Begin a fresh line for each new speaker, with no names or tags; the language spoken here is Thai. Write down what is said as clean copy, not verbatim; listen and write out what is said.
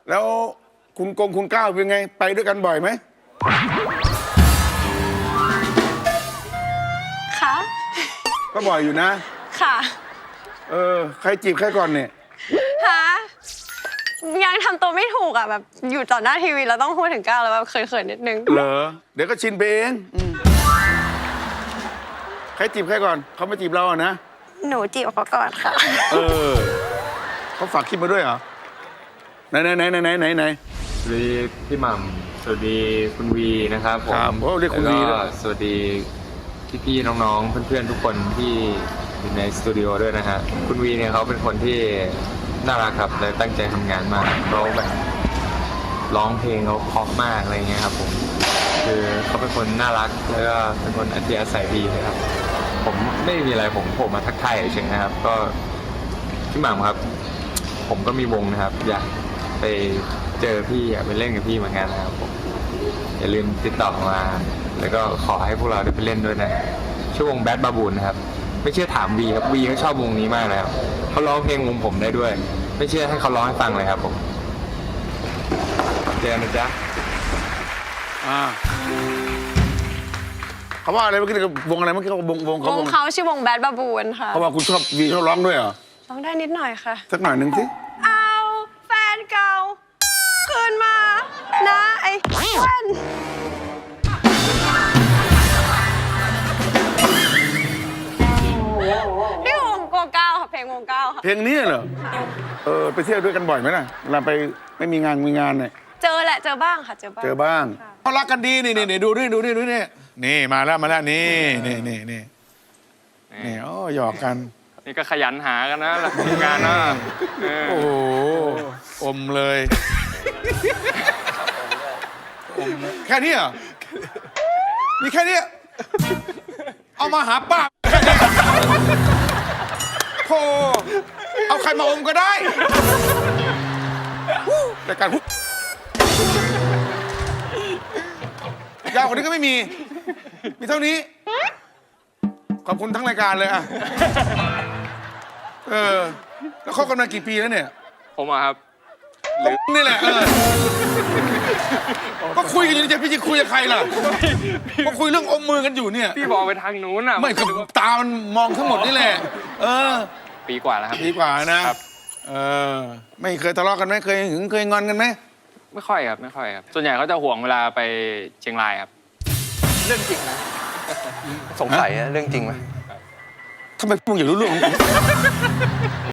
แล้วคุณก้าวเป็นไงไปด้วยกันบ่อยไหม
ค่ะ
ก็บ่อยอยู่นะ
ค่ะ
ใครจีบใครก่อนเนี่ย
ฮะยังทำตัวไม่ถูกอ่ะแบบอยู่ต่อหน้าทีวีเราต้องพูดถึงก้าวแล้วแบบเขินๆนิดนึง
เหรอเดี๋ยวก็ชินไปเองใครจีบใครก่อนเขาไม่จีบเราอ่ะนะ
หนูจีบเขาก่อนค่ะ
เขาฝากคลิปมาด้วยเหรอไหนส
วัสดีพี่หม่ำสวัสดีคุณวีนะครับผม
เรียกคุณวี
แล้วก็สวัสดีพี่ๆน้องๆเพื่อนๆทุกคนที่อยู่ในสตูดิโอด้วยนะฮะคุณวีเนี่ยเขาเป็นคนที่น่ารักครับและตั้งใจทำงานมากเขาแบบร้องเพลงเขาเพราะมากอะไรเงี้ยครับผมคือเขาเป็นคนน่ารักแล้วก็เป็นคนอัธยาศัยดีนะครับผมไม่มีอะไรผมมาทักทายเฉยๆนะครับก็พี่หม่ำครับผมก็มีวงนะครับอยากไปเจอพี่อยากไปเล่นกับพี่เหมือนกันนะครับผมอย่าลืมติดต่อมาแล้วก็ขอให้พวกเราได้ไปเล่นด้วยนะชื่อวงแบดบาบูนนะครับไม่เชื่อถามวีครับวีเขาชอบวงนี้มากเลยครับเขาร้องเพลงวงผมได้ด้วยไม่เชื่อให้เขาร้องให้ฟังเลยครับผมเจอกันนะจ๊ะ
เขาว่าอะไรเมื่อกี้วงอะไรเมื่อกี้เขาวง
เขาชื่อวงแบดบาบูนค่ะ
เขาว่าคุณชอบวีเขาร้องด้วยเหรอ
ร้องได้นิดหน่อยค่ะ
สักหน่อยหนึ่งสิ
เอาแฟนเก่าคืนมานะไอ้แว่นนี่วงโกเก้าค่ะเพลงวงเก้าค่ะ
เพลงนี้เหรอไปเที่ยวด้วยกันบ่อยไหมล่ะเวลาไปไม่มีงานเนี่ย
เจอแหละเจอบ้างค่ะเจอบ้าง
เขารักกันดีนี่ดูนี่มาแล้วนี่โอ้หยอกกัน
นี่ก็ขยันหากันนะหลักงานนะ
โอ้อมเลยแค่นี้เหรอมีแค่นี้เอามาหาป้าโธ่เอาใครมาอมก็ได้แต่การยาวกว่านี้ก็ไม่มีเท่านี้ขอบคุณทั้งรายการเลยอ่ะแล้วคบกันมากี่ปีแล้วเนี่ย
ผมอะครับ
นี่แหละก็คุยกันอยู่จะพี่จะคุยกับใครล่ะก็คุยเรื่องอมมือกันอยู่เนี่ย
พี่บอกไปทางนู้นอ่ะ
ไม่คือตามันมองทั้งหมดนี่แหละ
ปีกว่าแล้วครับ
ปีกว่านะไม่เคยทะเลาะกันไหมเคยหึงเคยงอนกันไหม
ไม่ค่อยครับส่วนใหญ่เขาจะห่วงเวลาไปเชียงรายครับ
เรื่องจริงนะสงสัยเรื่องจริงไหม
ทำไมพูดอย่างรู้เรื่อง